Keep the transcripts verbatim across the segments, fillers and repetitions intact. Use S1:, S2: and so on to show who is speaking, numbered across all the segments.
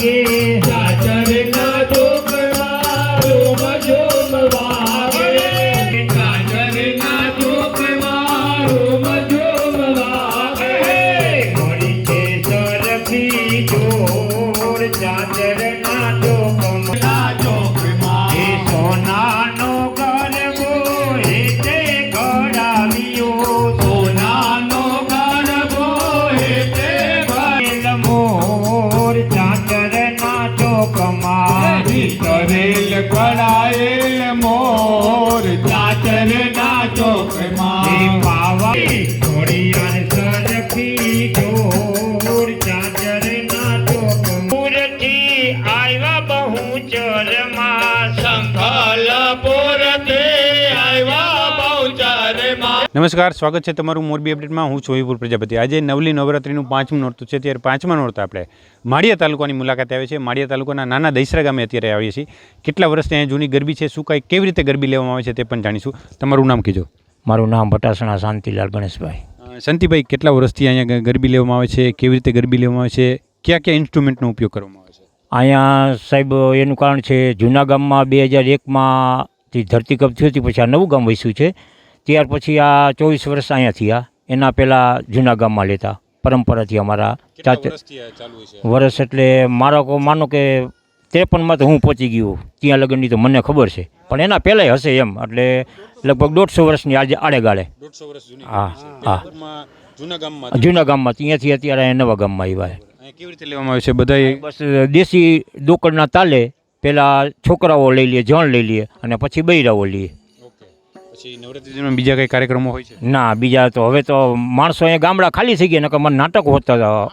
S1: વાગે ચાચરના ચોકમાં રોમ ઝોમ વાગે ચાચરના ચોકમાં રોમ ઝોમ વાગે મળી છે સરખી જોર ચાચરના ચોકમાં ચોકમાં એ સોનાનો ગરબો હેતે ઘડાવ્યો સોનાનો ગરબો હેતે ઘડેલ મોર ચાચરના ચોકમાં કરેલ ઘડાયેલ મોર ચાચરના ચોકમાં એ પાવા ઘોડિયાર સરખી જોર ચાચરના ચોકમાં પૂરથી આવ્યા બહુ ચરમાં સંભલ પૂરથી આવ્યા બહુ ચરમાં।
S2: નમસ્કાર, સ્વાગત છે તમારું મોરબી અપડેટમાં। હું છું વિપુલ પ્રજાપતિ। આજે નવલી નવરાત્રિનું પાંચમું નોરતું છે, ત્યારે પાંચમા નોરતા આપણે માળિયા તાલુકાની મુલાકાતે આવે છે। માળિયા તાલુકાના નાના દૈસરા ગામે અત્યારે આવીએ છીએ। કેટલા વર્ષથી અહીંયા જૂની ગરબી છે, શું કાંઈ કેવી રીતે ગરબી લેવામાં આવે છે તે પણ જાણીશું। તમારું નામ કીધો।
S3: મારું નામ ભટાસણા શાંતિલાલ ગણેશભાઈ।
S2: શાંતિભાઈ, કેટલા વર્ષથી અહીંયા ગરબી લેવામાં આવે છે, કેવી રીતે ગરબી લેવામાં આવે છે, કયા કયા ઇન્સ્ટ્રુમેન્ટનો ઉપયોગ કરવામાં આવે છે?
S3: અહીંયા સાહેબ એનું કારણ છે, જૂના ગામમાં બે હજાર એકમાંથી ધરતીકંપ થયું હતી, પછી આ નવું ગામ વસ્યું છે। ત્યાર પછી આ ચોવીસ વર્ષ અહીંયા થયા। એના પહેલાં જૂના ગામમાં લેતા પરંપરાથી અમારા ચાચા વર્ષ એટલે મારો કો માનો કે ત્રેપનમાં તો હું પહોંચી ગયો, ત્યાં લગનની તો મને ખબર છે, પણ એના પહેલાંય હશે એમ, એટલે લગભગ દોઢસો વર્ષની આજે આડેગાળે। હા હા
S2: જૂના ગામમાં
S3: જૂના ગામમાં ત્યાંથી અત્યારે અહીંયા નવા ગામમાં આવ્યા।
S2: કેવી રીતે લેવામાં આવે છે? બધા
S3: બસ દેશી દોકડના તાલે પહેલાં છોકરાઓ લઈ લઈએ, જણ લઈ લઈએ, અને પછી બૈરાઓ લઈએ।
S2: પછી નવરાત્રિમાં બીજા કંઈ કાર્યક્રમો હોય છે?
S3: ના, બીજા તો હવે તો માણસો અહીંયા ગામડા ખાલી થઈ ગયા, નકર મને નાટક હોતા હતા,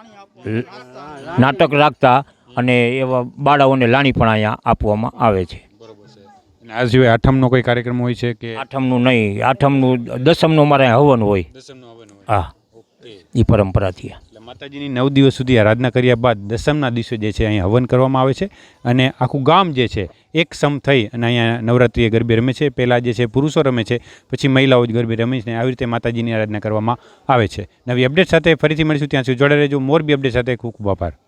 S3: નાટક રાખતા, અને એવા બાળાઓને લાણી પણ અહીંયા આપવામાં આવે છે।
S2: અને આ સિવાય આઠમનો કોઈ કાર્યક્રમ હોય છે કે?
S3: આઠમનું નહીં, આઠમનું દસમનું અમારે હવન હોય। હા, એ પરંપરાથી
S2: માતાજીની નવ દિવસ સુધી આરાધના કર્યા બાદ દસમના દિવસે જે છે અહીંયા હવન કરવામાં આવે છે, અને આખું ગામ જે છે એક સમ થઈ અને અહીંયા નવરાત્રિએ ગરબે રમે છે। પહેલાં જે છે પુરુષો રમે છે, પછી મહિલાઓ જ ગરબે રમે છે, આવી રીતે માતાજીની આરાધના કરવામાં આવે છે। નવી અપડેટ સાથે ફરીથી મળીશું, ત્યાં સુધી જોડે રહેજો। મોરબી અપડેટ સાથે ખૂબ ખૂબ આભાર।